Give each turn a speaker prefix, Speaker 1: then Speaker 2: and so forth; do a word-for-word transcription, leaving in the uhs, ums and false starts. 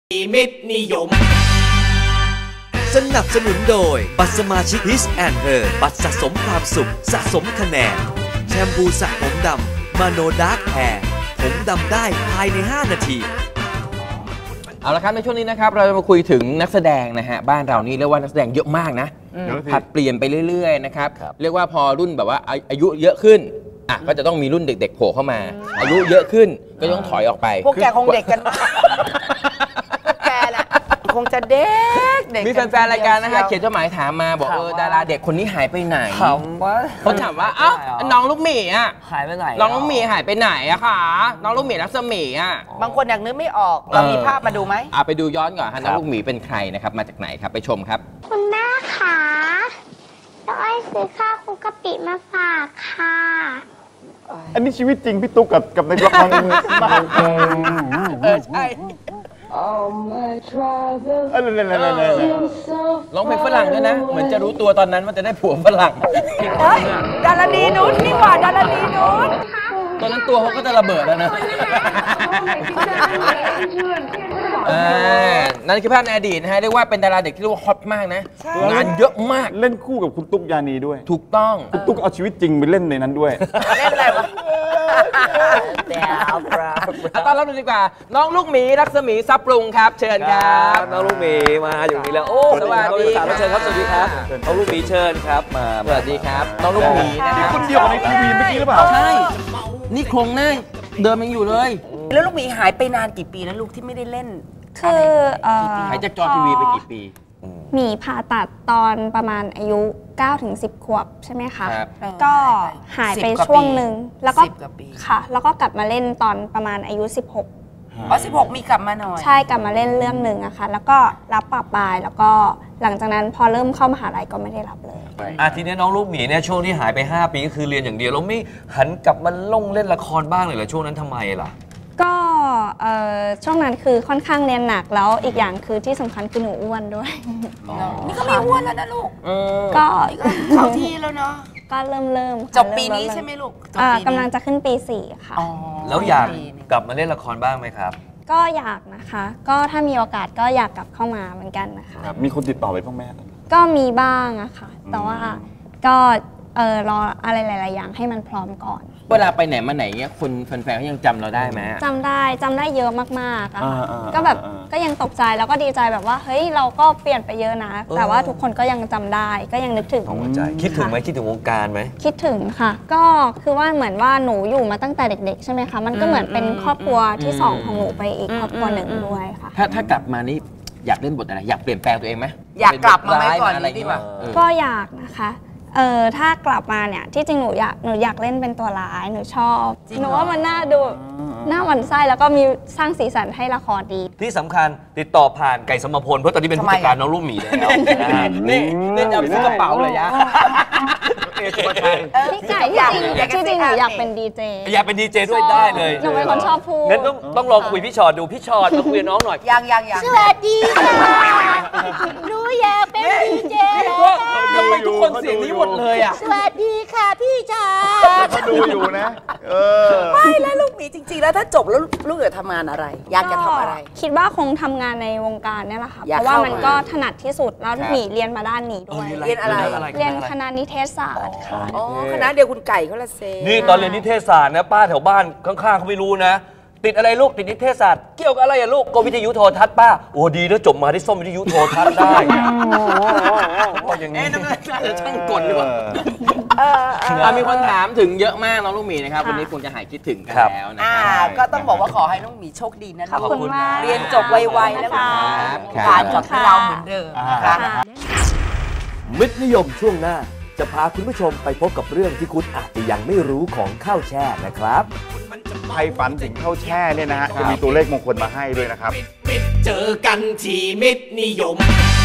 Speaker 1: มิตรนิยมสนับสนุนโดยบัตรสมาชิก His and Her บัตรสะสมความสุขสะสมคะแนนแชมพูสระผมดำมาโนดาร์กแฮร์ผมดำได้ภายในห้านาที
Speaker 2: เอาละครับในช่วงนี้นะครับเราจะมาคุยถึงนักแสดงนะฮะบ้านเรานี่เรียกว่านักแสดงเยอะมากนะผัดเปลี่ยนไปเรื่อยๆนะครับเรียกว่าพอรุ่นแบบว่าอายุเยอะขึ้นอ่ะก็จะต้องมีรุ่นเด็กๆโผล่เข้ามาอายุเยอะขึ้นก็ต้องถอยออกไป
Speaker 3: พวกแกคงเด็กกันแกแหละคงจะเด็กเด็ก
Speaker 2: มีแฟนๆรายการนะฮะเขียนจดหมายถามมาบอกเออดาราเด็กคนนี้หายไปไหนเขาถามว่าเอ้าน้องลูกหมีอ่ะ
Speaker 4: หายไปไหน
Speaker 2: น้องลูกหมีหายไปไหนอะคะน้องลูกหมีรัศมีอ่ะ
Speaker 3: บางคนอยากนึกไม่ออกเรามีภาพมาดูไหม
Speaker 2: อ่ะไปดูย้อนก่อนฮะน้องลูกหมีเป็นใครนะครับมาจากไหนครับไปชมครับ
Speaker 5: คุณแม่คะน้องอ้อยซื้อข้าวคลุกกะปิมาฝากค่ะ
Speaker 6: อันนี้ชีวิตจริงพี่ตุ๊กกับกับในละครมาก
Speaker 2: เออใช่ร้องเพลงฝรั่งด้วยนะเหมือนจะรู้ตัวตอนนั้นว่าจะได้ผัวฝรั่ง
Speaker 3: ดาราดีนุชนี่หว่าดาราดีนุช
Speaker 2: ตอนนั้นตัวเขาก็จะระเบิดแล้วนะนั่นคือภาพในอดีตนะฮะเรียกว่าเป็นดาราเด็กที่เรียกว่าฮอตมากนะงานเยอะมาก
Speaker 6: เล่นคู่กับคุณตุ๊กยานีด้วย
Speaker 2: ถูกต้อง
Speaker 6: คุณตุ๊กเอาชีวิตจริงไปเล่นในนั้นด้วย
Speaker 3: เล่นอะไรวะ
Speaker 2: ตอนรับดูดีกว่าน้องลูกหมีรัศมีทรัพย์ปรุงครับเชิญครับ
Speaker 4: น้องลูกหมีมาอยู่นี่แล้วโอ้
Speaker 2: สวัสดีครับ
Speaker 4: เชิญครับสวัสดีครับน้องลูกหมีเชิญครับมา
Speaker 2: สวัสดีครับน้องลูกหมี
Speaker 6: นี่คนเดียวในทีวีเมื่อกี้หรือเปล่า
Speaker 2: ใช่นี่โครงหน้าเดิมยังอยู่เลย
Speaker 3: แล้วลูกหมีหายไปนานกี่ปีแล้วลูกที่ไม่ได้เล่น
Speaker 5: คือ
Speaker 2: หายจากจอทีวีไปกี่ปี
Speaker 5: หมีผ่าตัดตอนประมาณอายุ เก้าถึงสิบ ขวบใช่ไหมคะก็หายไปช่วงหนึ่งแล้วก็ค่ะแล้วก็กลับมาเล่นตอนประมาณอายุสิบหก
Speaker 3: อ๋อสิบหกมีกลับมาหน่อย
Speaker 5: ใช่กลับมาเล่นเรื่องหนึ่งอะค่ะแล้วก็รับปะปายแล้วก็หลังจากนั้นพอเริ่มเข้ามหาลัยก็ไม่ได้รับเลย
Speaker 4: อ่ะทีนี้น้องลูกหมีเนี่ยช่วงที่หายไปห้าปีก็คือเรียนอย่างเดียวแล้วไม่หันกลับมาลงเล่นละครบ้างเลยเหรอช่วงนั้นทำไมล่ะ
Speaker 5: ก็ช่วงนั้นคือค่อนข้างเรียนหนักแล้วอีกอย่างคือที่สำคัญคือหนูอ้วนด้วย
Speaker 3: นี่ก็ไม่อ้วนแล้วนะลูก
Speaker 5: ก็
Speaker 3: เข้าที่แล้วเนาะ
Speaker 5: ก็เริ่มเริ่ม
Speaker 3: จบปีนี้ใช่ไหมลูก
Speaker 5: กำลังจะขึ้นปีสี่ค่ะ
Speaker 4: แล้วอยากกลับมาเล่นละครบ้างไหมครับ
Speaker 5: ก็อยากนะคะก็ถ้ามีโอกาสก็อยากกลับเข้ามาเหมือนกันนะคะ
Speaker 6: มีคนติดต่อไปบ้างไหม
Speaker 5: ก็มีบ้างอะค่ะแต่ว่าก็เออรออะไรหลายๆอย่างให้มันพร้อมก่อน
Speaker 2: เวลาไปไหนมาไหนเงี้ยคนแฟนๆเขายังจำเราได้ไหม
Speaker 5: จำได้จำได้เยอะมากๆอะก็แบบก็ยังตกใจแล้วก็ดีใจแบบว่าเฮ้ยเราก็เปลี่ยนไปเยอะนะแต่ว่าทุกคนก็ยังจำได้ก็ยังนึกถึง
Speaker 4: คิดถึงไหมคิดถึงวงการไหม
Speaker 5: คิดถึงค่ะก็คือว่าเหมือนว่าหนูอยู่มาตั้งแต่เด็กๆใช่ไหมคะมันก็เหมือนเป็นครอบครัวที่สองของหนูไปอีกครอบครัวหนึ่งด้วยค่ะ
Speaker 2: ถ้าถ้ากลับมานี่อยากเล่นบทอะไรอยากเปลี่ยนแปลงตัวเองไหม
Speaker 3: อยากกลับมาไหมก่อนอะไรดีกว่า
Speaker 5: ก็อยากนะคะเออถ้ากลับมาเนี่ยที่จริงหนูอยากหนูอยากเล่นเป็นตัวร้ายหนูชอบหนูว่ามันน่าดูน่าหวั่นไส้แล้วก็มีสร้างสีสันให้ละครดี
Speaker 4: ที่สำคัญติดต่อผ่านไก่สมพลเพราะตอนนี้เป็นผู้จัดการน้องลูกหมีแล้ว
Speaker 2: นี่นี่จะเอาไปซื้อกระเป๋าเลยยะ
Speaker 5: พี่ไก่ที่จริงที่จริงหนูอยากเป็นดีเจ
Speaker 4: อยากเป็นดีเจด้วยได้เลย
Speaker 5: หนูเป็นคนชอบพูด
Speaker 4: งั้นต้องต้องลองคุยพี่ชอดดูพี่ชอดมาคุยกับน้องหน่อย
Speaker 3: ยังยังยัง
Speaker 5: สวัสดีค่ะหนูอยากเป็นดีเจ
Speaker 2: ทำไมทุกคนเสียงนี้หมดเลยอ่ะ
Speaker 5: สวัสดีค่ะพี่ชอ
Speaker 6: ดเขาดูอยู่นะเออ
Speaker 3: ไม่แล้วลูกหมีจริงๆแล้วถ้าจบแล้วลูกอยากทำงานอะไรอยากจะทำอะไร
Speaker 5: คิดว่าคงทำงานในวงการนี่แหละค่ะเพราะว่ามันก็ถนัดที่สุดแล้วหมีเรียนมาด้านนี้ด้วย
Speaker 3: เรียนอะไร
Speaker 5: เรียนคณะนิเทศศาสตร์ค่ะ
Speaker 3: อ๋อคณะเดียวคุณไก่เขาละเซ
Speaker 4: นี่ตอนเรียนนิเทศศาสตร์นะป้าแถวบ้านข้างๆเขาไม่รู้นะติดอะไรลูกติดนิเทศศาสตร์เกี่ยวกับอะไรอะลูกก็วิทยุโทรทัศน์ป้าโอ้ดีแล้วจบมาได้ส้มวิทยุโทรทัศน์ได้ก็อย่างนี้
Speaker 2: น่าจะช่างกลดีกว่ามีคนถามถึงเยอะมากน้องลูกหมีนะครับวันนี้คงจะหายคิดถึงกันแล้วนะครับ
Speaker 3: ก็ต้องบอกว่าขอให้น้องหมีโชคดีนะขอบคุณเรียนจบไวๆแล้วผ่านกับเราเหมือนเดิมนะคะ
Speaker 1: มิตรนิยมช่วงหน้าจะพาคุณผู้ชมไปพบกับเรื่องที่คุณอาจจะยังไม่รู้ของข้าวแช่นะครับ
Speaker 6: ใครฝันถึงข้าวแช่เนี่ยนะฮะจะมีตัวเลขมงคลมาให้ด้วยนะครับ
Speaker 1: เจอกันที่มิตรนิยม